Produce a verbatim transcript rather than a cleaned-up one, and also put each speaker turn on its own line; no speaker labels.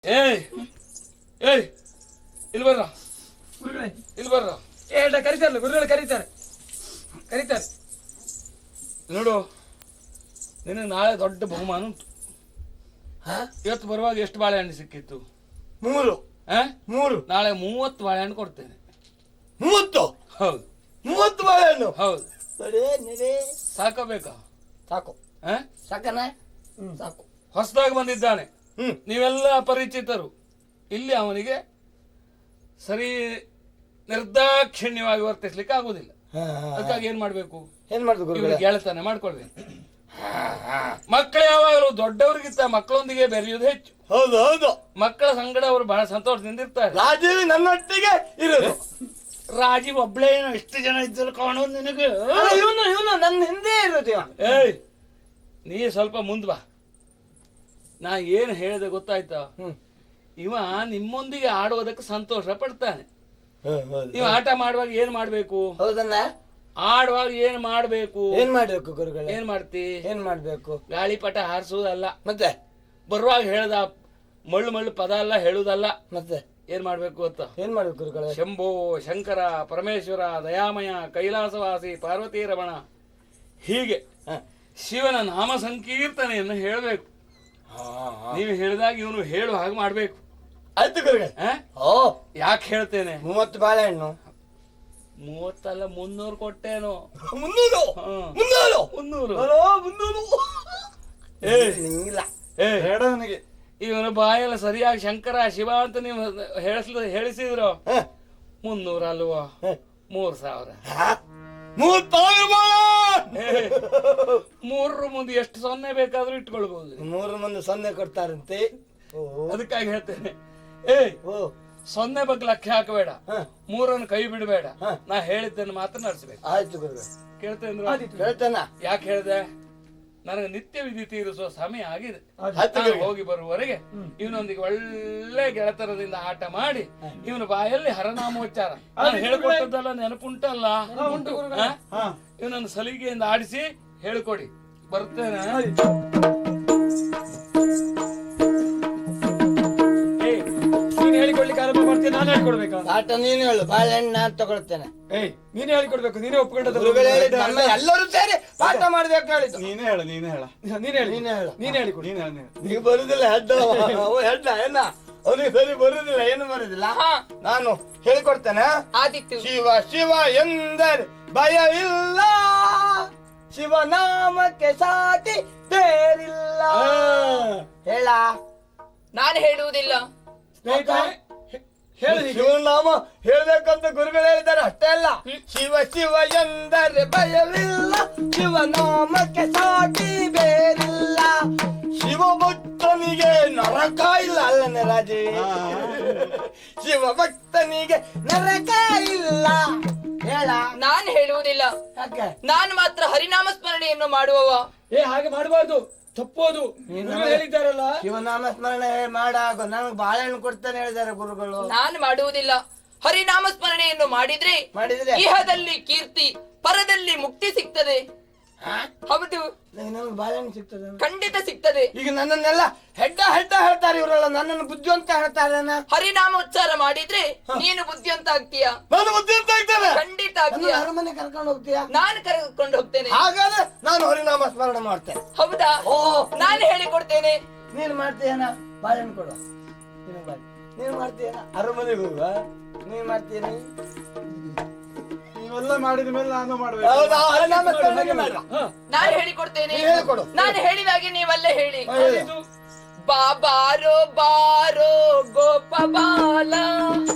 ಏಯ್ ಏಯ್ ಇಲ್ಲಿ ಬರ್ರ, ಇಲ್ಲಿ ಬರ್ರ.
ಏ ಕರೀತಾರಲ್ಲ ಗುರುಗಳು, ಕರೀತಾರೆ ಕರೀತಾರೆ
ನೋಡು, ನಿನಗೆ ನಾಳೆ ದೊಡ್ಡ ಬಹುಮಾನ ಉಂಟು. ಇವತ್ತು ಬರುವಾಗ ಎಷ್ಟು ಬಾಳೆಹಣ್ಣು ಸಿಕ್ಕಿತ್ತು?
ಮೂರು ಮೂರು
ನಾಳೆ ಮೂವತ್ತು ಬಾಳೆಹಣ್ಣು ಕೊಡ್ತೇನೆ.
ಮೂವತ್ತು?
ಹೌದು,
ಮೂವತ್ತು ಬಾಳೆಹಣ್ಣು.
ಹೌದು.
ಸಾಕಬೇಕಾ?
ಸಾಕು.
ಸಾಕನ? ಸಾಕು.
ಹೊಸದಾಗಿ ಬಂದಿದ್ದಾನೆ, ನೀವೆಲ್ಲ ಪರಿಚಿತರು. ಇಲ್ಲಿ ಅವನಿಗೆ ಸರಿ ನಿರ್ದಾಕ್ಷಿಣ್ಯವಾಗಿ ವರ್ತಿಸ್ಲಿಕ್ಕೆ ಆಗುದಿಲ್ಲ. ಅದಕ್ಕಾಗಿ ಏನ್ ಮಾಡ್ಬೇಕು?
ಏನ್ ಮಾಡುದು?
ಗೆಳತನ ಮಾಡ್ಕೊಳ್ಬೇಕು. ಮಕ್ಕಳು ಯಾವಾಗಲೂ ದೊಡ್ಡವರಿಗಿಂತ ಮಕ್ಕಳೊಂದಿಗೆ ಬೆರೆಯುವುದು ಹೆಚ್ಚು.
ಹೌದು ಹೌದು.
ಮಕ್ಕಳ ಸಂಗಡ ಅವರು ಬಹಳ ಸಂತೋಷದಿಂದ ಇರ್ತಾರೆ.
ರಾಜೀವ್ ನನ್ನೊಟ್ಟಿಗೆ ಇರೋದು.
ರಾಜೀವ್ ಒಬ್ಳೇ ಎಷ್ಟು ಜನ ಇದ್ದರು ಕಾಣೋದು ನಿನಗೆ?
ಇವನು ಇವನು ನನ್ನ ಹಿಂದೆ ಇರೋದು.
ಏಯ್, ನೀ ಸ್ವಲ್ಪ ಮುಂದ್ ಬಾ. ನಾ ಏನು ಹೇಳಿದೆ ಗೊತ್ತಾಯ್ತಾ? ಇವ ನಿಮ್ಮೊಂದಿಗೆ ಆಡುವುದಕ್ಕೆ ಸಂತೋಷ ಪಡ್ತಾನೆ. ನೀವು ಆಟ ಮಾಡುವಾಗ ಏನ್ ಮಾಡ್ಬೇಕು?
ಹೌದನ್ನ
ಆಡುವಾಗ ಏನ್ ಮಾಡ್ಬೇಕು?
ಏನ್ ಮಾಡ್ಬೇಕು ಗುರುಗಳೇ?
ಏನ್ ಮಾಡ್ತಿ?
ಏನ್ ಮಾಡ್ಬೇಕು?
ಗಾಳಿಪಟ ಹಾರಿಸುವುದಲ್ಲ,
ಮತ್ತೆ
ಬರುವಾಗ ಹೇಳ್ದ ಮಳ್ಳು ಮಳ್ಳು ಪದ ಎಲ್ಲ ಹೇಳುದಲ್ಲ.
ಮತ್ತೆ
ಏನ್ ಮಾಡ್ಬೇಕು ಗೊತ್ತಾ?
ಏನ್ ಮಾಡ್ಬೇಕು ಗುರುಗಳೇ?
ಶಂಭೋ ಶಂಕರ ಪರಮೇಶ್ವರ ದಯಾಮಯ ಕೈಲಾಸವಾಸಿ ಪಾರ್ವತಿ ರಮಣ, ಹೀಗೆ ಶಿವನ ನಾಮ ಸಂಕೀರ್ತನೆಯನ್ನು ಹೇಳಬೇಕು. ನೀವು ಹೇಳಿದಾಗ ಇವನು ಹೇಳು ಹಾಗೆ ಮಾಡ್ಬೇಕು.
ಆಯ್ತು ಗುರುಗಳೇ. ಓ,
ಯಾಕೆ ಹೇಳ್ತೇನೆ? ಮೂವತ್ತು
ಬಾಳೆಹಣ್ಣು
ಮೂವತ್ತಲ್ಲ, ಮುನ್ನೂರು ಕೊಟ್ಟೇನು?
ಮುನ್ನೂರು ಮುನ್ನೂರು ಮುನ್ನೂರು ಮುನ್ನೂರು
ಹೇಳ ನನಗೆ. ಇವನು ಬಾಯೆಲ್ಲ ಸರಿಯಾಗಿ ಶಂಕರ ಶಿವ ಅಂತ ನೀವು ಹೇಳಿಸ್ಲ ಹೇಳಿಸಿದ್ರು. ಮುನ್ನೂರ ಅಲ್ವಾ? ಮೂರ್ ಸಾವಿರ. ಮೂರರ ಮುಂದೆ ಎಷ್ಟು ಸೊನ್ನೆ ಬೇಕಾದ್ರೂ ಇಟ್ಕೊಳ್ಬಹುದು.
ಮೂರು ಮಂದಿ ಸೊನ್ನೆ ಕೊಡ್ತಾರಂತೆ.
ಅದಕ್ಕಾಗಿ ಹೇಳ್ತೇನೆ, ಏಯ್ ಸೊನ್ನೆ ಬಗ್ಗೆ ಲಕ್ಷ ಹಾಕಬೇಡ, ಮೂರನ್ನು ಕೈ ಬಿಡಬೇಡ. ನಾ ಹೇಳಿದ್ದನ್ನು ಮಾತ್ರ ನಡೆಸಬೇಕು.
ಆಯ್ತು ಗುರುಗಳೇ.
ಕೇಳ್ತೇನೆ?
ಹೇಳ್ತೇನ.
ಯಾಕೆ ಹೇಳಿದೆ? ನನಗೆ ನಿತ್ಯ ವಿಧಿ ತೀರಿಸುವ ಸಮಯ ಆಗಿದೆ. ಹೋಗಿ ಬರುವವರೆಗೆ ಇವನೊಂದಿಗೆ ಒಳ್ಳೆ ಗೆಳತನದಿಂದ ಆಟ ಮಾಡಿ ಇವನ ಬಾಯಲ್ಲಿ ಹರನಾಮೋಚ್ಚಾರ ನಾನು ಹೇಳ್ಕೊಟ್ಟದ್ದಲ್ಲ ನೆನಪುಂಟಲ್ಲ, ಇವನನ್ನು ಸಲಿಗೆಯಿಂದ ಆಡಿಸಿ ಹೇಳ್ಕೊಡಿ. ಬರ್ತೇನೆ.
ಹೇಳಿಕೊಡ್ಲಿಕ್ಕೆ ಆರಂಭ ಮಾಡ್ತೀನಿ. ನಾನು ಹೇಳ್ಕೊಡ್ಬೇಕಾ? ಆಟ ನೀನು ಹೇಳು, ಬಾಳೆಹಣ್ಣು ನಾನು ತಗೊಳ್ತೇನೆ.
ಏಯ್, ನೀನೇ ಹೇಳಿಕೊಡ್ಬೇಕು. ನೀನೇ ಒಪ್ಕೊಂಡದ್ದು.
ಎಲ್ಲರೂ ಸೇರಿ ಪಾಠ ಮಾಡ್ಬೇಕು ಹೇಳಿದ್ದು.
ನೀನೇ ಹೇಳು, ನೀನೇ ಹೇಳ.
ನೀನ್ ಹೇಳಿ, ನೀನೇ ಹೇಳು,
ನೀನೇ ಹೇಳಿಕೊಡು. ನೀನೇ ಹೇಳ.
ನೀವು ಬರುದಿಲ್ಲ ಹೆಡ್ಡ ಹೆಡ್ಡ ಏನ? ಅವನಿಗೆ ಸರಿ ಬರುದಿಲ್ಲ, ಏನು ಬರುದಿಲ್ಲ. ನಾನು ಹೇಳಿಕೊಡ್ತೇನೆ. ಶಿವ ಶಿವ ಎಂದರೆ ಭಯವಿಲ್ಲ, ಶಿವನಾಮಕ್ಕೆ ಸಾಟಿ ಬೇರಿಲ್ಲ. ಹೇಳ.
ನಾನು ಹೇಳುವುದಿಲ್ಲ.
ಶಿವನಾಮ ಹೇಳ್ಬೇಕಂತ ಗುರುಗಳು ಹೇಳಿದ್ದಾರೆ, ಅಷ್ಟೇ ಅಲ್ಲ. ಶಿವ ಶಿವ ಎಂದರೆ ಭಯವಿಲ್ಲ, ಶಿವನಾಮಕ್ಕೆ ಸಾಟಿ ಬೇರಿಲ್ಲ, ಶಿವ ಭಕ್ತನಿಗೆ ನರಕ ಇಲ್ಲ. ಅಲ್ಲನೆ ರಾಜೇ, ಶಿವ ಭಕ್ತನಿಗೆ ನರಕ ಇಲ್ಲ. ಹೇಳ.
ನಾನು ಹೇಳುವುದಿಲ್ಲ. ನಾನು ಮಾತ್ರ ಹರಿನಾಮ ಸ್ಮರಣೆಯನ್ನು ಮಾಡುವವ.
ಏ, ಹಾಗೆ ಮಾಡಬಾರ್ದು, ತಪ್ಪೋದು. ಹೇಳಿದ್ದಾರಲ್ಲ, ಶಿವನಾಮ ಸ್ಮರಣೆ ಮಾಡಾಗ ನನಗೆ ಬಾಳೆಹಣ್ಣು ಕೊಡ್ತಾನೆ ಹೇಳಿದ್ದಾರೆ ಗುರುಗಳು.
ನಾನು ಮಾಡುವುದಿಲ್ಲ. ಹರಿನಾಮ ಸ್ಮರಣೆಯನ್ನು ಮಾಡಿದ್ರೆ
ಮಾಡಿದ್ರೆ
ಇಹದಲ್ಲಿ ಕೀರ್ತಿ, ಪರದಲ್ಲಿ ಮುಕ್ತಿ ಸಿಗ್ತದೆ. ಹೌದು,
ನನಗೆ ಬಾಳೆಹಣ್ಣು ಸಿಗ್ತದೆ,
ಖಂಡಿತ ಸಿಗ್ತದೆ.
ಈಗ ನನ್ನನ್ನೆಲ್ಲ ಹೆಡ್ಡ ಹೆಡ್ಡ ಹೇಳ್ತಾರೆ ಇವರೆಲ್ಲ, ನನ್ನನ್ನು ಬುದ್ಧಿವಂತ ಹೇಳ್ತಾರೆ.
ಹರಿನಾಮೋಚ್ಚಾರ ಮಾಡಿದ್ರೆ ನೀನು ಬುದ್ಧಿವಂತ ಆಗ್ತೀಯ.
ನಾನು ಬುದ್ಧಿವಂತ ಆಗ್ತೇನೆ,
ಖಂಡಿತ ಆಗ್ತೀಯ.
ಅರಮನೆ ಕರ್ಕೊಂಡು ಹೋಗ್ತೀಯಾ?
ನಾನು ಕರ್ಕೊಂಡು ಹೋಗ್ತೇನೆ.
ಹಾಗಾದ್ರೆ ನಾನು ಹರಿನಾಮ ಸ್ಮರಣೆ ಮಾಡ್ತೇನೆ.
ಹೌದಾ? ಓ, ನಾನು ಹೇಳಿಕೊಡ್ತೇನೆ.
ನೀನು ಮಾಡ್ತೀಯನ? ಬಾಳೆಹಣ್ಣು ಕೊಡು. ನೀನು ಮಾಡ್ತೀಯನ? ಅರಮನೆಗೆ ಹೋಗುವ. ನೀನ್ ಮಾಡ್ತೀನಿ.
ನೀವೆಲ್ಲ ಮಾಡಿದ ಮೇಲೆ ನಾನು ಮಾಡ್ಬೇಕು.
ನಾನು ಹೇಳಿಕೊಡ್ತೇನೆ. ನಾನು ಹೇಳಿದಾಗೆ ನೀವಲ್ಲೇ ಹೇಳಿ. ಬಾಬಾರೋ ಬಾರೋ ಗೋಪ ಬಾಲ,